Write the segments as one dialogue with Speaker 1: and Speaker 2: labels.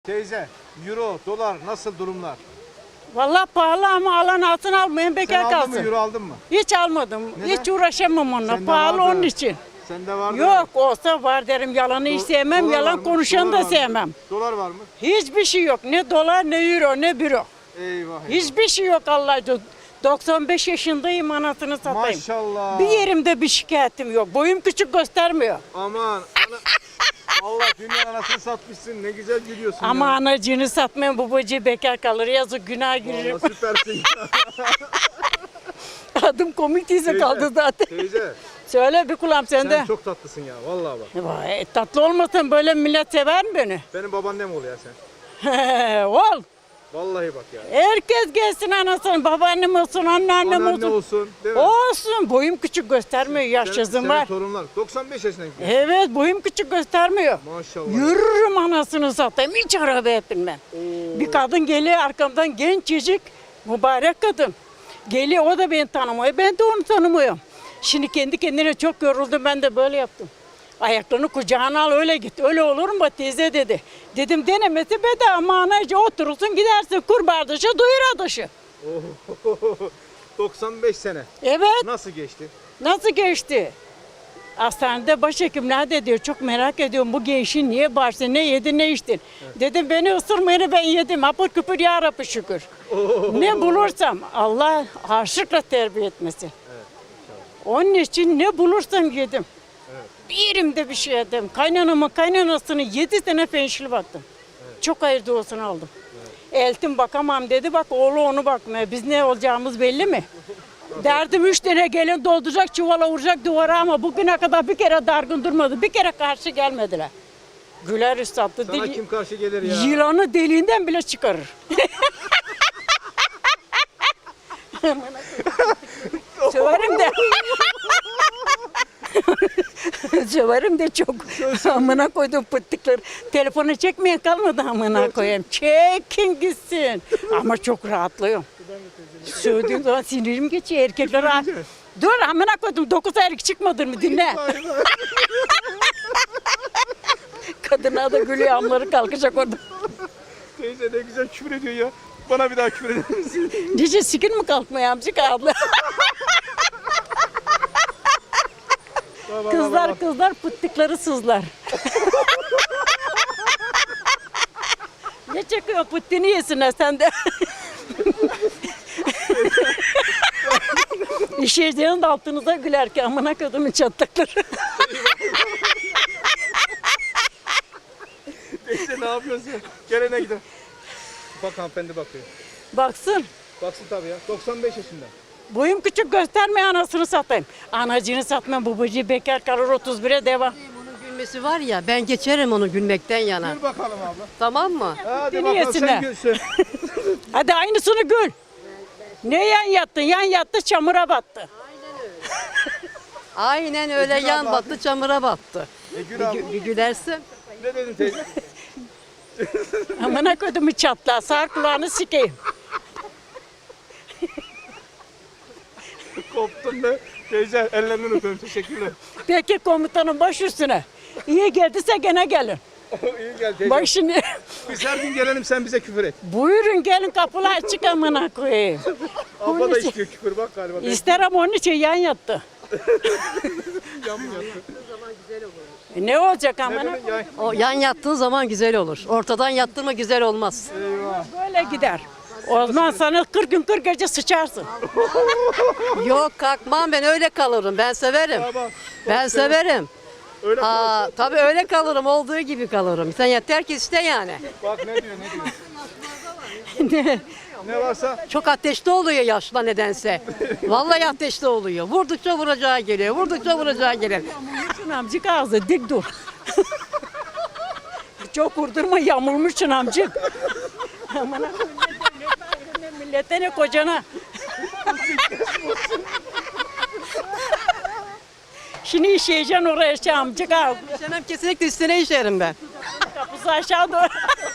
Speaker 1: Teyze, euro, dolar nasıl durumlar?
Speaker 2: Vallahi pahalı ama alan altın almayın bekar
Speaker 1: Sen aldın
Speaker 2: kalsın.
Speaker 1: mı, euro aldın mı?
Speaker 2: Hiç almadım.
Speaker 1: Neden?
Speaker 2: Hiç uğraşamam onunla.
Speaker 1: Sende
Speaker 2: Pahalı
Speaker 1: vardı.
Speaker 2: onun için.
Speaker 1: Sende vardı.
Speaker 2: Yok olsa var derim. Yalanı hiç sevmem.
Speaker 1: Dolar var
Speaker 2: Yalan
Speaker 1: mı?
Speaker 2: konuşanı
Speaker 1: Dolar
Speaker 2: da
Speaker 1: var mı?
Speaker 2: sevmem.
Speaker 1: Dolar var mı?
Speaker 2: Hiçbir şey yok. Ne dolar ne euro ne büro.
Speaker 1: Eyvah.
Speaker 2: Hiçbir şey yok Allah aşkına. 95 yaşındayım anasını satayım.
Speaker 1: Maşallah.
Speaker 2: Bir yerimde bir şikayetim yok. Boyum küçük göstermiyor.
Speaker 1: Aman. Allah dünya anasını satmışsın. Ne güzel gülüyorsun
Speaker 2: Ama
Speaker 1: ya.
Speaker 2: anacığını satmayan babacığı bekar kalır. Yazık günah girer.
Speaker 1: Vallahi süpersin.
Speaker 2: Adım komik teyze kaldı zaten.
Speaker 1: Teyze,
Speaker 2: Söyle bir kulağım sende.
Speaker 1: sen çok tatlısın ya. Vallahi bak.
Speaker 2: Vay, tatlı olmasın böyle millet sever mi beni?
Speaker 1: Benim babaannem ol ya sen.
Speaker 2: Ol.
Speaker 1: Vallahi bak ya.
Speaker 2: Herkes gelsin anasını, babaannem olsun, anneannem
Speaker 1: Anneanne
Speaker 2: olsun.
Speaker 1: olsun, değil mi?
Speaker 2: Olsun. Boyum küçük göstermiyor, yaşsızım
Speaker 1: Senin
Speaker 2: var.
Speaker 1: torunlar 95 yaşına gidiyor.
Speaker 2: Evet, boyum küçük göstermiyor.
Speaker 1: Maşallah.
Speaker 2: Yürürüm anasını satayım, hiç arabaya binmem. Bir kadın geliyor arkamdan gencecik, mübarek kadın. Geliyor, o da beni tanımıyor, ben de onu tanımıyorum. Şimdi kendi kendine çok yoruldum, ben de böyle yaptım. Ayaklarını kucağına al öyle git. Öyle olur mu teyze dedi. Dedim denemesi bedava ama anacı oturursun gidersin kurbağa dışı duyur dışı.
Speaker 1: 95 sene.
Speaker 2: Evet.
Speaker 1: Nasıl geçti?
Speaker 2: Nasıl geçti? Hastanede başhekimler de diyor çok merak ediyorum bu gençin niye bağırsın, ne yedin ne içtin. Dedim beni ısırmayın ben yedim apır küpür ya Rabbi şükür. Ne bulursam Allah harçlıkla terbiye etmesin. Onun için ne bulursam yedim. Bir yerimde bir şey yedim. Kaynanamın kaynanasını 7 sene penşil baktım. Çok hayır duasını aldım. Eltim bakamam dedi bak oğlu onu bakmıyor. Biz ne olacağımız belli mi? Derdim 3 tane gelin dolduracak çuvala vuracak duvara ama bugüne kadar bir kere dargın durmadı. Bir kere karşı gelmediler. Güler üstadı.
Speaker 1: Sana kim karşı gelir ya?
Speaker 2: Yılanı deliğinden bile çıkarır. Söverim de. Söverim de çok. Amına koydum pıttıkları. Telefonu çekmeye kalmadı amına koyayım. Çekin gitsin. Ama çok rahatlıyorum. Söylediğim zaman sinirim geçiyor. Erkekler rahat. Dur amına koydum. 9 aylık çıkmadın mı dinle. Kadına da gülüyor amları kalkacak orada.
Speaker 1: Teyze ne güzel küfür ediyor ya. Bana bir daha küfür eder misin?
Speaker 2: Dice sikin mi kalkmaya amcık abla? Kızlar pıttıkları sızlar. Ne çekiyor pıttını yesinler sen de. İşeceğin de altınıza güler ki amına kodumun çatlakları.
Speaker 1: Teyze ne yapıyorsun? Gelene gidelim. Bak hanımefendi bakıyor.
Speaker 2: Baksın.
Speaker 1: Baksın tabii ya. 95 yaşında.
Speaker 2: Boyum küçük gösterme anasını satayım. Anacını satmam babacığı bekar kalır 31'e devam.
Speaker 3: Onun gülmesi var ya ben geçerim onu gülmekten yana.
Speaker 1: Gül bakalım abla.
Speaker 3: Tamam mı?
Speaker 1: Hadi
Speaker 2: Seni
Speaker 1: bakalım
Speaker 2: yesinler.
Speaker 1: sen gülsün.
Speaker 2: Hadi aynısını gül. Ne yan yattın? Yan yattı çamura battı.
Speaker 3: Aynen öyle
Speaker 1: Gül
Speaker 3: yan
Speaker 1: abla.
Speaker 3: battı çamura battı.
Speaker 1: Gül abla.
Speaker 3: Bir gülersin.
Speaker 1: Ne dedin teyze?
Speaker 2: Amına kodumu çatla sağ kulağını sikeyim.
Speaker 1: Koptun be. Teyze ellerinden öpüyorum. Teşekkürler.
Speaker 2: Peki komutanım baş üstüne. İyi geldiyse gene gelin.
Speaker 1: İyi gel teyze.
Speaker 2: Bak şimdi
Speaker 1: Biz her gün gelelim sen bize küfür et.
Speaker 2: buyurun gelin kapılar açık amına koyayım.
Speaker 1: Abla da istiyor küfür bak galiba.
Speaker 2: İster ama onun için yan yattı.
Speaker 1: Yan mı yattı?
Speaker 2: Ne olacak
Speaker 1: Ne
Speaker 2: amına
Speaker 1: dedin ya?
Speaker 3: O yan yattığın zaman güzel olur. Ortadan yattırma güzel olmaz.
Speaker 1: Eyvah.
Speaker 2: böyle gider. O zaman sana 40 gün 40 gece sıçarsın.
Speaker 3: Yok kalkmam ben öyle kalırım. Ben severim.
Speaker 1: Tamam.
Speaker 3: Ben severim.
Speaker 1: Öyle
Speaker 3: Aa, tabii öyle kalırım. Olduğu gibi kalırım. Sen yeter ki iste yani.
Speaker 1: bak ne diyor ne diyor. Ne varsa
Speaker 3: Çok ateşli oluyor yaşla nedense. Vallahi ateşli oluyor. Vurdukça vuracağı geliyor. Vurdukça vuracağı geliyor.
Speaker 2: Yamulmuşsun amcık ağzı dik dur. Çok vurdurma yamulmuşsun amcık. Amına koyayım ne devlet ayrı, ne millete ne kocana. Şimdi işeyeceksin oraya şey amcık ağzı.
Speaker 3: İşemem kesinlikle üstüne işerim ben.
Speaker 2: Kapısı aşağı doğru.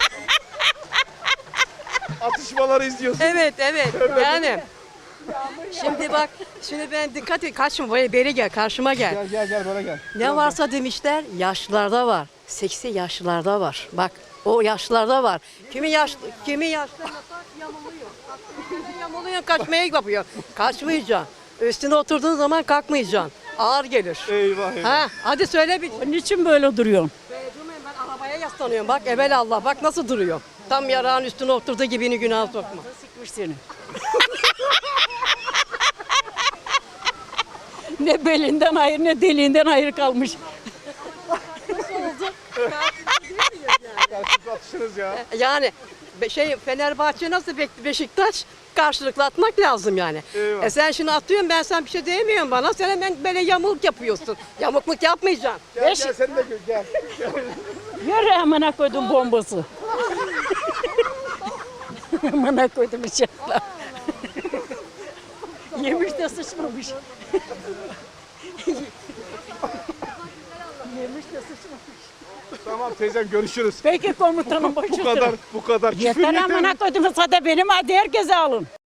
Speaker 1: atışmaları izliyorsun.
Speaker 3: Evet evet yani. Şimdi bak şimdi ben dikkat et kaçma böyle beri gel karşıma gel.
Speaker 1: Gel böyle gel.
Speaker 3: Ne varsa demişler yaşlılarda var. Seksi yaşlılarda var. Bak O yaşlılarda var. Kimi yaşlı yamuluyor. Yamuluyor, kaçmaya yapıyor. Kaçmayacaksın. Üstüne oturduğun zaman kalkmayacaksın. Ağır gelir.
Speaker 1: Eyvah eyvah.
Speaker 3: Ha, hadi söyle bir.
Speaker 2: Niçin böyle duruyorsun?
Speaker 3: Ben arabaya yaslanıyorum. Bak evelallah bak nasıl duruyor. Tam yarağın üstüne oturduğu gibini günah sokma.
Speaker 2: Sıkmış seni. Ne belinden hayır ne deliğinden hayır kalmış.
Speaker 1: Karşılıklı atışırız ya.
Speaker 3: Yani Fenerbahçe nasıl Beşiktaş karşılıklı atmak lazım yani.
Speaker 1: Eyvah.
Speaker 3: Sen şimdi atıyorsun ben sen bir şey diyemiyorum bana. Sen hemen böyle yamuk yapıyorsun. Yamukluk yapmayacaksın.
Speaker 1: Gel gel sen de gel.
Speaker 2: Yürü amına koydum bombası. Amına koydum inşallah. Yemiş de sıçmamış. Yemiş de sıçmamış.
Speaker 1: Tamam teyzem görüşürüz.
Speaker 2: Peki komutanım başüstüne.
Speaker 1: Bu kadar küfür
Speaker 2: Yeter amına koydum. Sada benim hadi herkese alın.